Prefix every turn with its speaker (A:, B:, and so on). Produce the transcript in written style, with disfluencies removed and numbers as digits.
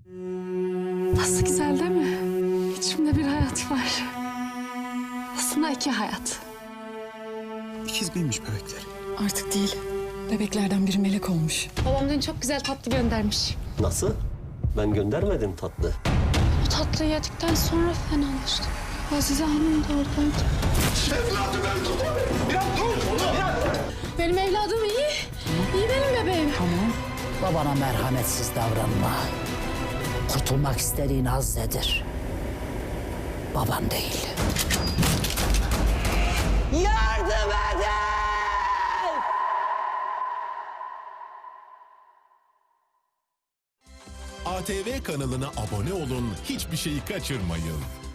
A: Nasıl güzel değil mi? İçimde bir hayat var. Aslında iki hayat.
B: İkiz miymiş bebekler?
C: Artık değil. Bebeklerden biri melek olmuş.
A: Babam dün çok güzel tatlı göndermiş.
D: Nasıl? Ben göndermedim tatlı.
A: Bu tatlıyı yedikten sonra fenalaştım. Azize Hanım da oradaydı. Benim evladım iyi. İyi benim bebeğim.
E: Babana merhametsiz davranma. Kurtulmak istediğin Azze'dir. Baban değil. Yardım edin!
F: ATV kanalına abone olun, hiçbir şeyi kaçırmayın.